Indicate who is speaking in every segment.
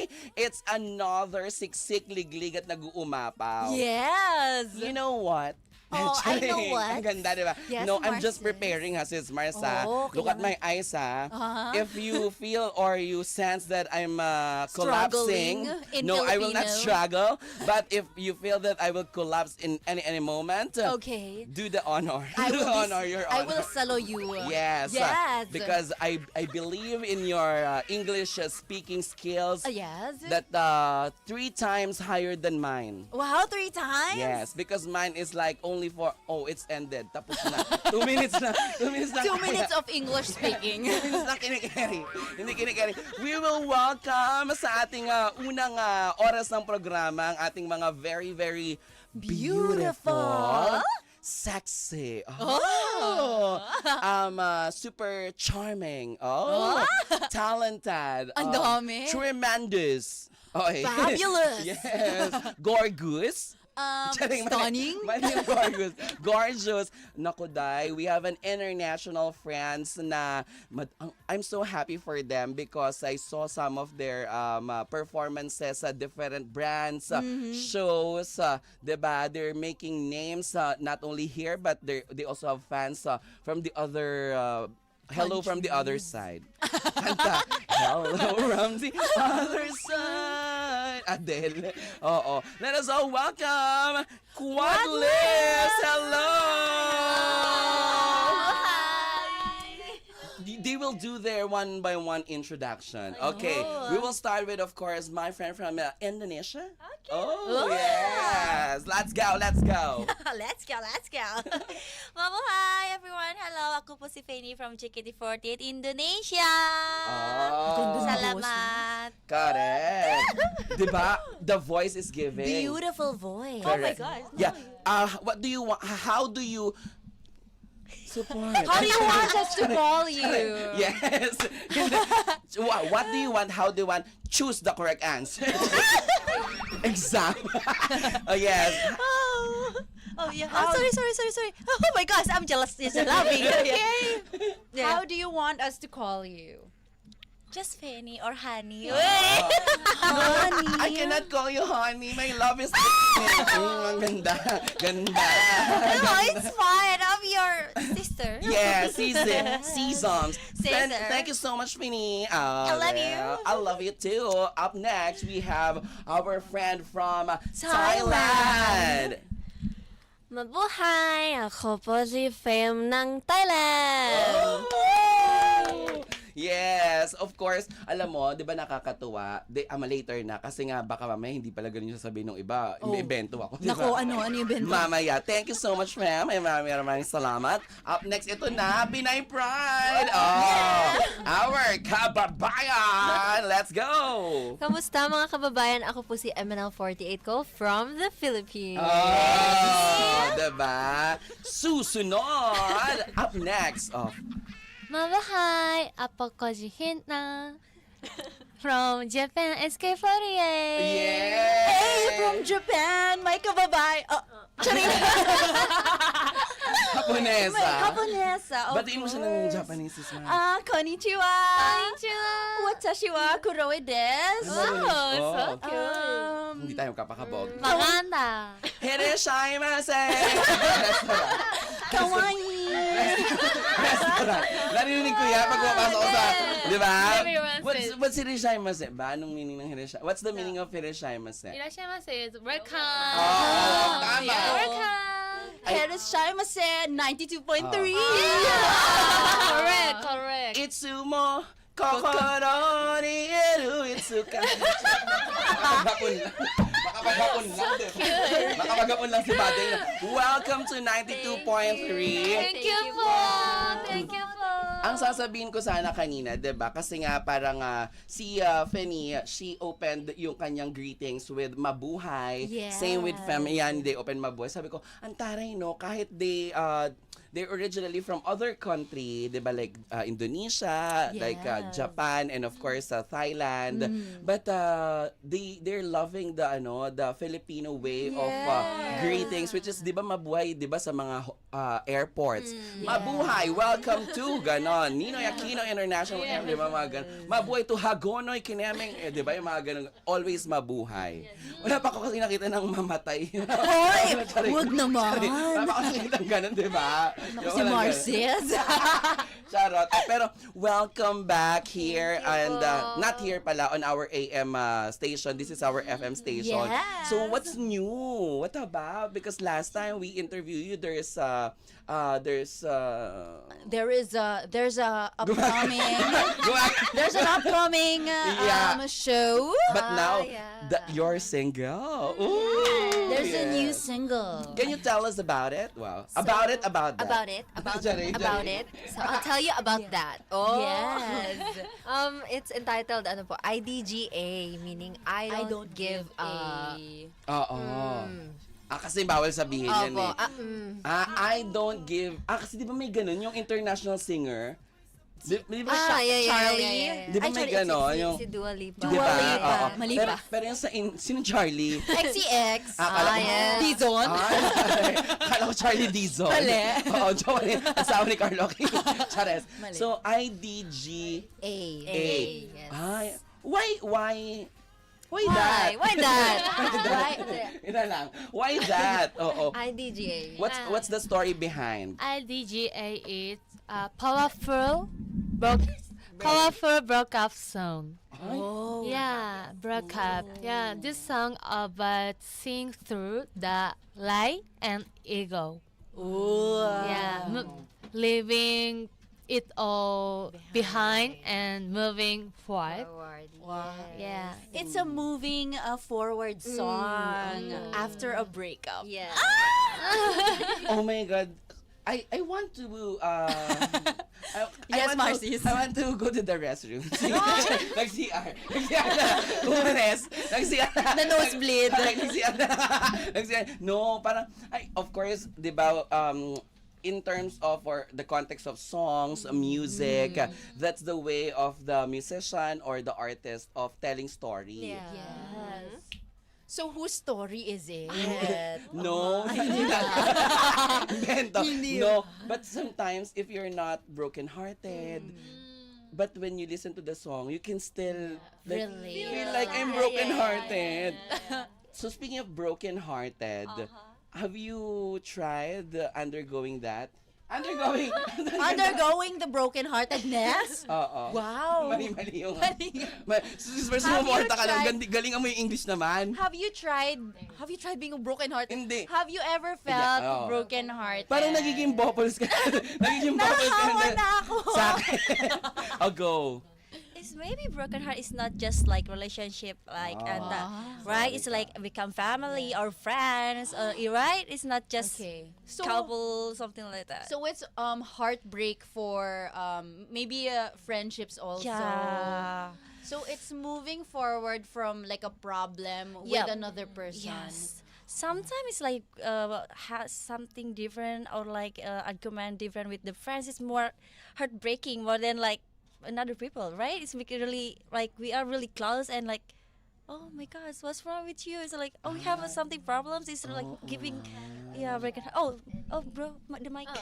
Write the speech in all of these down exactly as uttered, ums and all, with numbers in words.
Speaker 1: Today, it's another siksik liglig at nag-uumapaw.
Speaker 2: Yes!
Speaker 1: You know what?
Speaker 2: Oh, I know
Speaker 1: Charing.
Speaker 2: what.
Speaker 1: Ang ganda, di ba?
Speaker 2: Yes,
Speaker 1: no, I'm just
Speaker 2: Marces.
Speaker 1: preparing ha, sis Marsa.
Speaker 2: Oh,
Speaker 1: Look at my
Speaker 2: kailangan-
Speaker 1: eyes ha.
Speaker 2: Uh-huh.
Speaker 1: If you feel or you sense that I'm uh, collapsing,
Speaker 2: Struggling in
Speaker 1: no, I will not
Speaker 2: Filipino.
Speaker 1: struggle. But if you feel that I will collapse in any any moment, uh,
Speaker 2: Okay.
Speaker 1: do the honor.
Speaker 2: I
Speaker 1: do
Speaker 2: will,
Speaker 1: the
Speaker 2: be-
Speaker 1: honor, your
Speaker 2: I
Speaker 1: honor.
Speaker 2: will salo you.
Speaker 1: Yes. uh,
Speaker 2: Yes.
Speaker 1: because I I believe in your uh, English uh, speaking skills
Speaker 2: Uh, yes.
Speaker 1: that uh, three times higher than mine.
Speaker 2: Wow, three times?
Speaker 1: Yes, because mine is like only for, oh, it's ended. Tapos na. Two minutes na. Two minutes na.
Speaker 2: Two
Speaker 1: kaya.
Speaker 2: minutes of English speaking.
Speaker 1: Two minutes na kinikeri. Hindi kinikeri. We will welcome sa ating uh, unang uh, oras ng programa ang ating mga very, very beautiful,
Speaker 2: Beautiful.
Speaker 1: sexy, oh, um, uh, super charming, oh, talented,
Speaker 2: Ang
Speaker 1: uh,
Speaker 2: dami.
Speaker 1: tremendous, okay.
Speaker 2: Fabulous.
Speaker 1: Yes, gorgeous.
Speaker 2: Um,
Speaker 1: Charing, mali-
Speaker 2: stunning.
Speaker 1: mali yung gorgeous. Gorgeous. Naku, Day, we have an international friends na mad- ang- I'm so happy for them because I saw some of their um, uh, performances sa different brands, uh,
Speaker 2: Mm-hmm.
Speaker 1: shows, uh, diba? They're making names uh, not only here but they they also have fans uh, from the other uh, hello from the other side. Kanta, hello from the other side. Adele. Oo. Let us all welcome Quadlis. Hello. They- They will do their one by one introduction. Okay. We will start with, of course, my friend from uh, Indonesia.
Speaker 2: Okay.
Speaker 1: Oh, yes. Let's go. Let's go.
Speaker 3: Let's go, let's go. Mabuhay everyone. Hello, ako po si Fanny from J K T forty-eight Indonesia.
Speaker 1: Oh.
Speaker 3: Salamat.
Speaker 1: Correct. Diba? The voice is giving.
Speaker 2: Beautiful voice.
Speaker 3: Oh my
Speaker 1: Correct.
Speaker 3: gosh.
Speaker 1: Yeah. Uh, what do you want? How do you support?
Speaker 2: How do you want us to call you?
Speaker 1: Yes. what, what do you want? How do you want? Choose the correct answer. Exam. Oh yes.
Speaker 3: Oh, oh yeah. Oh, sorry, sorry, sorry, sorry. Oh my gosh, I'm jealous. Just laughing.
Speaker 2: Okay.
Speaker 3: Yeah.
Speaker 2: How do you want us to call you?
Speaker 3: Just Fanny or Honey.
Speaker 2: Honey.
Speaker 1: I cannot call you honey. My love is mm, ang ganda. Ganda.
Speaker 3: No, it's fine. I'm your sister.
Speaker 1: Yeah, season, seasons. Thank,
Speaker 3: Caesar.
Speaker 1: thank you so much, Minnie. Uh,
Speaker 3: I love you.
Speaker 1: I love you too. Up next, we have our friend from
Speaker 3: Thailand.
Speaker 1: Thailand.
Speaker 4: Mabuhay! Ako po si Fem ng Thailand!
Speaker 1: Yes, of course. Alam mo, 'di ba nakakatuwa? De, ama later na kasi nga baka mamaya hindi pala ganun yung sasabihin ng iba.
Speaker 2: Oh.
Speaker 1: May evento ako, 'di ba?
Speaker 2: Nako, ano, ano yung bento?
Speaker 1: Mamaya. Thank you so much, ma'am. Ay, maraming maraming salamat. Up next, ito na, Pinay Pride. Oh, our kababayan. Let's go.
Speaker 4: Kamusta mga kababayan? Ako po si M N L forty-eight ko from the Philippines.
Speaker 1: Oh, diba? Susunod. Up next, oh,
Speaker 4: Mabuhay! Ako ko si Hina from Japan S K forty-eight.
Speaker 1: yeah.
Speaker 2: Hey, from Japan, may kababay. Oh, charing.
Speaker 1: Japonesa.
Speaker 2: Japonesa. of
Speaker 1: Batiin mo siya ng
Speaker 2: course.
Speaker 1: Japanese, sis, ma'am.
Speaker 2: Ah, konnichiwa.
Speaker 4: Konnichiwa!
Speaker 2: Watashi wa Kuroe desu.
Speaker 1: Wow, so
Speaker 4: cute.
Speaker 2: Um,
Speaker 1: Hindi tayo kapakabog.
Speaker 4: Maganda!
Speaker 1: Hiroshimase!
Speaker 2: kawaii.
Speaker 1: Restaurant. Narinig ko yan pag pumapasok ko sa, di ba?
Speaker 4: Everyone
Speaker 1: What's,
Speaker 4: says-
Speaker 1: what's Hiroshimase ba? Anong meaning ng Hiroshimase? What's the meaning of Hiroshimase?
Speaker 4: Irashimasu is welcome!
Speaker 1: Oh, tama.
Speaker 4: Yeah, welcome!
Speaker 2: Hiroshimase ninety-two point three.
Speaker 4: Correct, correct.
Speaker 1: Itsumo kokoro ni eru itsuka. Makapagapon lang. Makapagapon lang. Makapagapon lang si Badeng. Welcome to ninety-two point three.
Speaker 4: Thank you po! Thank you po!
Speaker 1: Ang sasabihin ko sana kanina, 'di ba? Kasi nga parang ah, si ah, Fanny, she opened yung kanyang greetings with mabuhay.
Speaker 2: Yes.
Speaker 1: Same with Fem, yan, they open mabuhay. Sabi ko, ang taray no, kahit they uh, they're originally from other country, 'di ba, like uh, Indonesia, like uh,
Speaker 2: Yes.
Speaker 1: Japan, and of course uh, Thailand. But uh, they they're loving the ano, the Filipino way of uh, greetings, which is 'di ba mabuhay 'di ba sa mga uh, airports. Mabuhay, welcome to ganon. Ninoy Aquino International Airport, 'di ba mga ganon. Mabuhay to Hagonoy Kinaming, eh, 'di ba yung mga ganon. Always mabuhay. Wala pa ako kasi nakita ng mamatay.
Speaker 2: Hoy,
Speaker 1: Sorry.
Speaker 2: wag naman.
Speaker 1: Sorry. Wala pa ako nakita ng ganon, 'di ba?
Speaker 2: Naku,
Speaker 1: Yung
Speaker 2: si
Speaker 1: walang ganon.
Speaker 2: Marces.
Speaker 1: Charot. Eh, Pero welcome back here and uh, not here pala on our A M uh, station. This is our F M station.
Speaker 2: Yes.
Speaker 1: So what's new? What about? Because last time we interviewed you, there's uh, uh there's uh
Speaker 2: There is a there's a upcoming
Speaker 1: Gumag-
Speaker 2: there's an upcoming uh,
Speaker 1: Yeah.
Speaker 2: um, show.
Speaker 1: But now
Speaker 4: Ah, yeah.
Speaker 1: the, you're single. Ooh,
Speaker 2: There's a new
Speaker 1: yes.
Speaker 2: single.
Speaker 1: Can you tell us about it? Wow. about it, about that.
Speaker 4: About it, about
Speaker 1: Sorry,
Speaker 4: about
Speaker 1: sorry.
Speaker 4: it. So I'll tell you about that. Oh.
Speaker 2: Yes.
Speaker 4: Um, it's entitled ano po, I D G A, meaning I don't,
Speaker 2: I don't
Speaker 4: give a.
Speaker 1: Oo. Ah, kasi bawal sabihin yan
Speaker 4: Opo.
Speaker 1: eh.
Speaker 4: Ah, mm.
Speaker 1: Ah, I don't give. Ah, kasi di ba may ganun yung international singer? Di, di ba
Speaker 4: Ah, yeah, yeah,
Speaker 2: Charlie?
Speaker 4: yeah, yeah, yeah.
Speaker 1: Di ba
Speaker 2: Ay,
Speaker 1: may
Speaker 2: Charlie,
Speaker 1: ganon?
Speaker 4: Si,
Speaker 1: Yung,
Speaker 4: si Dua Lipa.
Speaker 1: di ba?
Speaker 2: Dua Lipa.
Speaker 1: Oo.
Speaker 2: Mali
Speaker 1: pero,
Speaker 2: ba?
Speaker 1: pero yung sa, in, sino Charlie?
Speaker 2: X C X.
Speaker 1: Ah, kala
Speaker 4: Ah,
Speaker 1: ko-
Speaker 4: yes.
Speaker 2: Dizon.
Speaker 1: Ay, kala ko Charlie Dizon.
Speaker 2: Mali.
Speaker 1: Oo, joke rin. Asawa ni Carlo King. Chares.
Speaker 2: Mali.
Speaker 1: So, I D G
Speaker 2: A.
Speaker 1: A.
Speaker 4: yes.
Speaker 1: Ay, why, why, why,
Speaker 4: Why?
Speaker 1: that?
Speaker 4: Why that?
Speaker 1: Why that? Ina lang. Why that? Oo.
Speaker 4: I D G A.
Speaker 1: What's, what's the story behind?
Speaker 5: I D G A is a powerful, broke, powerful breakup song.
Speaker 2: Oh.
Speaker 5: Yeah, breakup. Yeah, this song about seeing through the lie and ego.
Speaker 2: Ooh.
Speaker 5: Yeah, mo- leaving it all behind and moving forward.
Speaker 4: Forward.
Speaker 2: Wow.
Speaker 5: Yeah.
Speaker 2: It's a moving uh, forward song after a breakup.
Speaker 4: Yeah.
Speaker 1: Oh my God. I I want to uh I, I
Speaker 2: Yes,
Speaker 1: want
Speaker 2: Marcis.
Speaker 1: To, I want to go to the restroom. Nag-C R. Nag-C R na. Umanes. Nag-C R na.
Speaker 2: The nosebleed.
Speaker 1: Nag-C R na. Nag-C R. No, parang, ay, of course, di ba, um, in terms of or the context of songs, music, uh, that's the way of the musician or the artist of telling story.
Speaker 4: Yeah.
Speaker 2: Yes. So whose story is it?
Speaker 1: No, hindi na. Bento. No, but sometimes if you're not broken-hearted, but when you listen to the song, you can still like,
Speaker 2: Relate.
Speaker 1: feel like I'm broken-hearted. So speaking of broken-hearted, have you tried uh, undergoing that? Undergoing.
Speaker 2: Undergoing the brokenheartedness?
Speaker 1: Oo.
Speaker 2: Wow.
Speaker 1: Mali-mali yung...
Speaker 2: Mali.
Speaker 1: Ma- Sus, mas
Speaker 2: Have you
Speaker 1: sumorta ka lang.
Speaker 2: tried-
Speaker 1: Gandi- Galingan mo yung English naman.
Speaker 2: Have you tried Have you tried being brokenhearted?
Speaker 1: Hindi.
Speaker 2: Have you ever felt
Speaker 1: Yeah, oo.
Speaker 2: brokenhearted?
Speaker 1: Parang nagiging bubbles ka. nagiging bubbles ka.
Speaker 2: Nahawa na ako.
Speaker 1: Sa akin. I'll go.
Speaker 3: It's maybe broken heart is not just like relationship, like and uh, right. It's like become family or friends, or right. It's not just
Speaker 2: Okay. So
Speaker 3: couple, something like that.
Speaker 2: So it's um heartbreak for um maybe uh, friendships also.
Speaker 3: yeah.
Speaker 2: So it's moving forward from like a problem with
Speaker 3: Yep.
Speaker 2: another person.
Speaker 3: Yes. Sometimes it's like uh, has something different or like uh, argument different with the friends. It's more heartbreaking more than like another people, right? It's make it really like we are really close and like, oh my gosh, what's wrong with you? It's like, oh, we have uh, something problems. It's like giving, yeah, breaking. Oh, oh, bro, ma- the mic.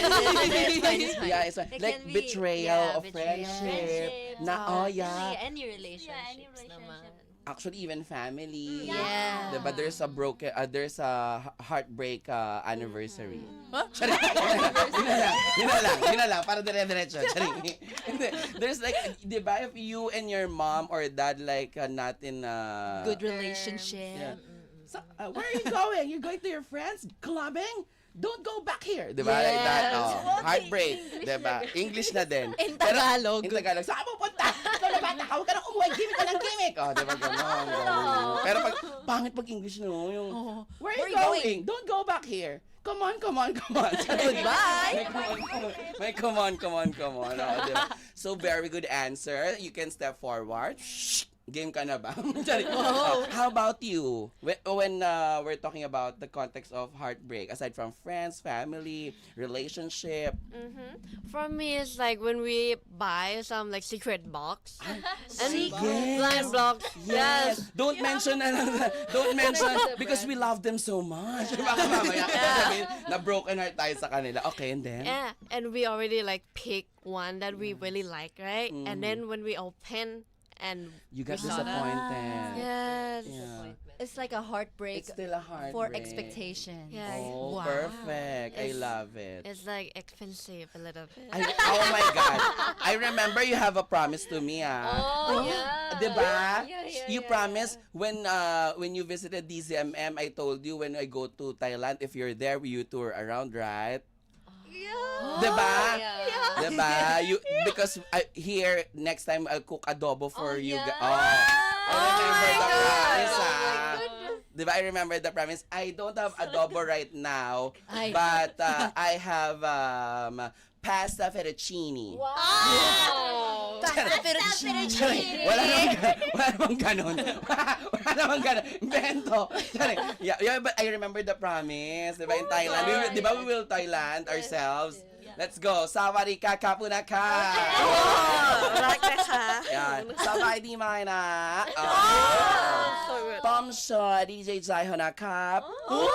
Speaker 4: It's fine, it's fine.
Speaker 1: Yeah, it's like,
Speaker 4: It
Speaker 1: like
Speaker 4: can be-
Speaker 1: betrayal
Speaker 4: yeah,
Speaker 1: of
Speaker 4: betrayal.
Speaker 1: friendship.
Speaker 3: Friendship.
Speaker 1: Na, oh yeah.
Speaker 4: Any, any relationships
Speaker 3: any relationship.
Speaker 4: naman.
Speaker 1: Actually, even family.
Speaker 2: Yeah.
Speaker 1: Diba, there's a broken, uh, there's a h- heartbreak uh, anniversary.
Speaker 2: Huh?
Speaker 1: Charing. Yun na lang, yun na lang, yun na lang, para dire-diretso. Charing. Hindi. There's like, di ba, if you and your mom or dad like uh, not in uh,
Speaker 2: Good relationship.
Speaker 1: Yeah. So, uh, where are you going? You're going to your friends clubbing? Don't go back here. Di ba? Like that.
Speaker 2: Yes.
Speaker 1: Oh, heartbreak. Di ba? English na din.
Speaker 2: In
Speaker 1: Pero-
Speaker 2: Tagalog.
Speaker 1: In Tagalog. Saan mo punta? Ikaw na bata ka. Huwag ka nang umuwi. Gimik ka ng gimik. Oh, di ba? Ganon. ganon. Pero pag, pangit pag English no. Yung,
Speaker 2: Oh.
Speaker 1: where are
Speaker 2: Where
Speaker 1: you
Speaker 2: you
Speaker 1: going? Don't go back here. Come on, come on, come on.
Speaker 2: Goodbye.
Speaker 1: May come on, come on. May come on, come on, come on. Oh, di ba? So, very good answer. You can step forward. Shh. Game ka na ba? Sorry. Uh, how about you? When, when uh, we're talking about the context of heartbreak, aside from friends, family, relationship,
Speaker 6: Mm-hmm. For me, it's like when we buy some like secret box and
Speaker 1: Yes.
Speaker 6: blind blocks. Yes.
Speaker 1: Don't mention na don't mention because we love them so much. Baka mamaya sabihin na broken heart tayo sa kanila. Okay, and then?
Speaker 6: Yeah, and we already like pick one that we really like, right?
Speaker 1: Mm.
Speaker 6: And then when we open and
Speaker 1: You got
Speaker 6: we saw that.
Speaker 1: disappointed.
Speaker 6: Yes.
Speaker 1: Yeah.
Speaker 2: It's like a heartbreak
Speaker 1: It's still a heartbreak.
Speaker 2: for expectation.
Speaker 6: Yeah.
Speaker 1: Oh,
Speaker 2: Wow.
Speaker 1: perfect. I
Speaker 6: It's-
Speaker 1: love it.
Speaker 6: It's like expensive a little bit.
Speaker 1: I, oh my God. I remember you have a promise to me, ah.
Speaker 4: Oh, yeah.
Speaker 1: Diba?
Speaker 4: Yeah, yeah,
Speaker 1: You
Speaker 4: yeah,
Speaker 1: promised when uh when you visited D Z M M, I told you when I go to Thailand, if you're there, you tour around, right?
Speaker 4: Yeah.
Speaker 1: Diba?
Speaker 4: Yeah.
Speaker 1: Diba? You, because I, here, next time, I'll cook adobo for
Speaker 4: Oh,
Speaker 1: you.
Speaker 4: yeah.
Speaker 1: ga- Oh, I remember the promise,
Speaker 4: Oh,
Speaker 1: ah.
Speaker 4: my goodness.
Speaker 1: Diba? I remember the promise. I don't have adobo right now,
Speaker 2: Ay.
Speaker 1: but uh, I have um, pasta fettuccine.
Speaker 4: Wow.
Speaker 2: Pasta fettuccine.
Speaker 1: Wala namang, ga- wala namang ganon. Wala namang ganon. Invento. Sorry. Yeah, yeah, but I remember the promise. Diba in Thailand? We will, diba we will Thailand ourselves? Let's go. Sawadika kapunaka.
Speaker 6: Oh, like that.
Speaker 1: Yan. Sawadee mga na.
Speaker 6: So good.
Speaker 1: Tom Shaw, D J Jai Honakap.
Speaker 6: Oh,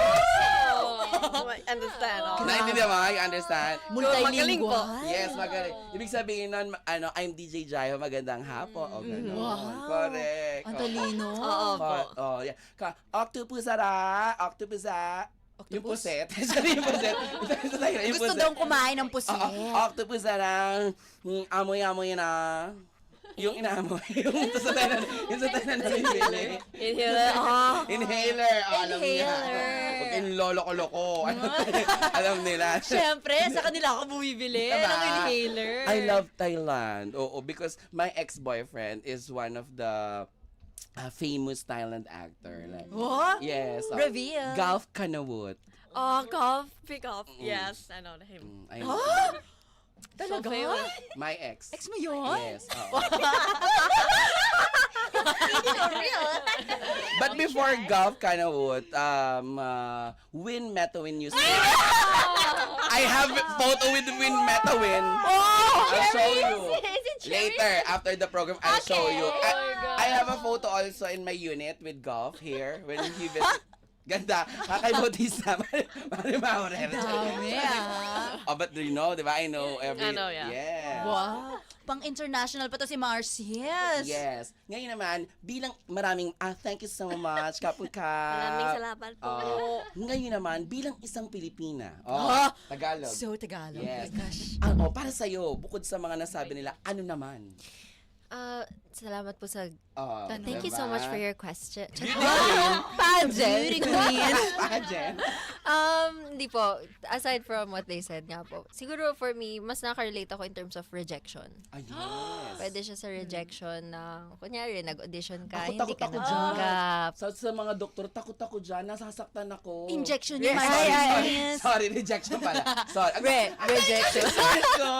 Speaker 6: I understand. Oh.
Speaker 1: Naintindihan mo? You understand?
Speaker 2: Multilingual.
Speaker 1: Yes, magaling. Ibig sabihin nun, ano, I'm D J Jaiho, magandang hapon. O, gano'n.
Speaker 2: Wow.
Speaker 1: Correct.
Speaker 2: Ang
Speaker 1: Oo.
Speaker 2: talino.
Speaker 6: Oo po.
Speaker 1: Oh, oh, yeah. Ka, octopus ara, octopus a. Yung puset. Sorry, yung puset. Yung
Speaker 2: Gusto
Speaker 1: puset.
Speaker 2: daw kumain ng pusit.
Speaker 1: Oo, octopus ara, mm, amoy-amoy na. Yung inaamoy. Yung sa tayo na, yung sa tayo na nabibili.
Speaker 6: Inhaler. Oh.
Speaker 1: Inhaler. Oh, alam niya.
Speaker 2: Inhaler.
Speaker 1: Huwag kayong lolo-ko-loko. Ano, alam nila.
Speaker 2: Siyempre, sa kanila ako bumibili
Speaker 1: Diba?
Speaker 2: ng inhaler.
Speaker 1: I love Thailand. Oo, because my ex-boyfriend is one of the uh, famous Thailand actor. Like,
Speaker 2: What?
Speaker 1: yes. uh,
Speaker 2: Reveal.
Speaker 1: Golf Kanawut.
Speaker 6: Oh, golf. Pick up. Yes, I know him.
Speaker 1: Mm, I know.
Speaker 2: Talaga?
Speaker 6: famous.
Speaker 1: My ex.
Speaker 2: Ex mo yun?
Speaker 1: Yes. oo. But before Golf Kanawut, um, uh, Win Metawin used to. I have a photo with Win Metawin. I'll show you. Later, after the program, I'll show you. I, I have a photo also in my unit with Golf here when he visit. Ganda. Kakay Bautista. Mari Maurer.
Speaker 2: Dami ah.
Speaker 1: Oh, but do you know, di ba? I know every...
Speaker 6: I know, yeah.
Speaker 1: Yeah.
Speaker 2: Wow. Pang-international pa to si Marcy. Yes.
Speaker 1: Yes. Ngayon naman, bilang maraming, ah, thank you so much, Kapuka.
Speaker 6: Maraming salamat po.
Speaker 1: Oh, ngayon naman, bilang isang Pilipina. Oh,
Speaker 2: Ah!
Speaker 1: Tagalog.
Speaker 2: So, Tagalog.
Speaker 1: Yes.
Speaker 2: Oh my gosh.
Speaker 1: Ah, oh, para sa'yo, bukod sa mga nasabi nila, ano naman?
Speaker 4: Uh, salamat po sa...
Speaker 1: Oh,
Speaker 4: Thank you so much for your question.
Speaker 2: Beauty queen.
Speaker 1: Pageant.
Speaker 4: Um, hindi po. Aside from what they said nga po. Siguro for me, mas nakarelate ako in terms of rejection.
Speaker 1: Ah, yes.
Speaker 4: Pwede siya sa rejection na, kunyari, nag-audition ka,
Speaker 1: Ako,
Speaker 4: hindi
Speaker 1: takot
Speaker 4: ka
Speaker 1: ako
Speaker 4: natanggap.
Speaker 1: Sa, sa mga doktor, takot ako dyan, nasasaktan ako.
Speaker 2: Injection
Speaker 1: Yes,
Speaker 2: yung
Speaker 1: sorry,
Speaker 2: Marcy.
Speaker 1: sorry,
Speaker 2: Yes.
Speaker 1: sorry, rejection pala. Sorry.
Speaker 4: Re- rejection.
Speaker 1: Sorry ko.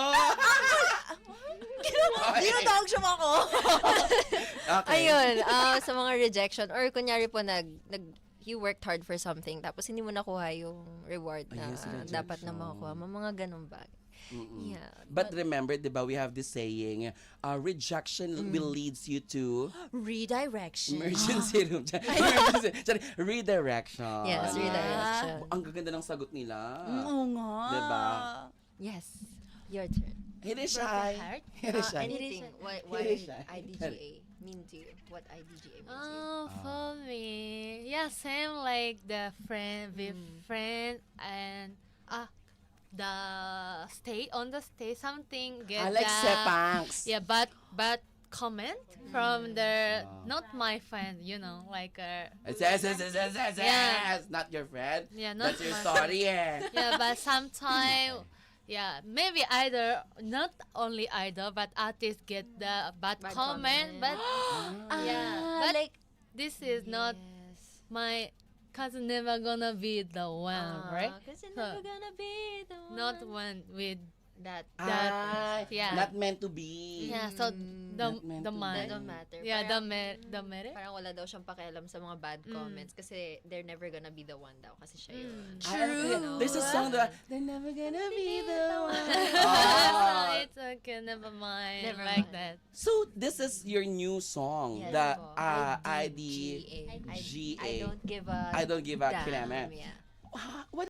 Speaker 2: Tinatawag siya mo ako.
Speaker 1: Okay.
Speaker 4: Ayun, ah, sa mga rejection, or kunyari po, nag, nag, you worked hard for something, tapos hindi mo nakuha yung reward na
Speaker 1: Ayun, sa rejection.
Speaker 4: dapat na makukuha mo. Mga ganun bagay.
Speaker 1: Mm-mm.
Speaker 4: Yeah.
Speaker 1: But remember, di ba, we have this saying, uh, rejection will leads you to
Speaker 2: Redirection.
Speaker 1: emergency room. Emergency, sorry, redirection.
Speaker 4: Yes, redirection.
Speaker 1: Ang gaganda ng sagot nila.
Speaker 2: Oo nga.
Speaker 1: Diba?
Speaker 4: Yes. Your turn.
Speaker 1: Hirishay.
Speaker 4: Uh,
Speaker 1: Hirishay.
Speaker 4: anything. What, what
Speaker 1: Hirishay.
Speaker 4: I D G A mean to you? What I D G A means to you?
Speaker 5: Oh, for me, yeah, same like the friend with friend and ah, the stay on the stay something get
Speaker 1: I like
Speaker 5: the,
Speaker 1: sepangs.
Speaker 5: yeah, but but comment from the not my friend, you know, like uh,
Speaker 1: Yes, yes, yes, yes, yes,
Speaker 5: Yeah.
Speaker 1: yes. Not your friend.
Speaker 5: yeah, not
Speaker 1: That's your
Speaker 5: my-
Speaker 1: story, eh.
Speaker 5: yeah, but sometimes. Yeah, maybe either not only either, but artists get the bad,
Speaker 4: Bad
Speaker 5: comment,
Speaker 4: comment.
Speaker 5: but yeah, but
Speaker 2: like,
Speaker 5: this is not
Speaker 4: Yes.
Speaker 5: my cousin never gonna be the one, right?
Speaker 4: Because you're
Speaker 5: So,
Speaker 4: never gonna be the one.
Speaker 5: Not one with
Speaker 4: that.
Speaker 5: That-
Speaker 1: Ah,
Speaker 5: yeah.
Speaker 1: not meant to be.
Speaker 5: yeah. So the
Speaker 1: Not meant
Speaker 5: the
Speaker 1: to
Speaker 5: man.
Speaker 4: That don't matter.
Speaker 5: Yeah, the
Speaker 4: Parang-
Speaker 5: mer the merit.
Speaker 4: Parang wala daw siyang pakialam sa mga bad
Speaker 5: Mm.
Speaker 4: comments kasi they're never gonna be the one daw kasi siya yun.
Speaker 5: Mm.
Speaker 1: I agree.
Speaker 4: True.
Speaker 1: There's a song that they're never gonna be the one.
Speaker 5: So
Speaker 1: Ah.
Speaker 5: it's okay, never mind.
Speaker 4: Never
Speaker 5: like
Speaker 4: mind.
Speaker 5: that.
Speaker 1: So this is your new song,
Speaker 4: Yes
Speaker 1: the
Speaker 4: po.
Speaker 1: uh, I
Speaker 4: I
Speaker 1: D
Speaker 4: D G A.
Speaker 1: G
Speaker 4: I
Speaker 1: A.
Speaker 4: don't give a
Speaker 1: I don't give a
Speaker 4: damn.
Speaker 1: kineme.
Speaker 4: Yeah.
Speaker 1: Ah, what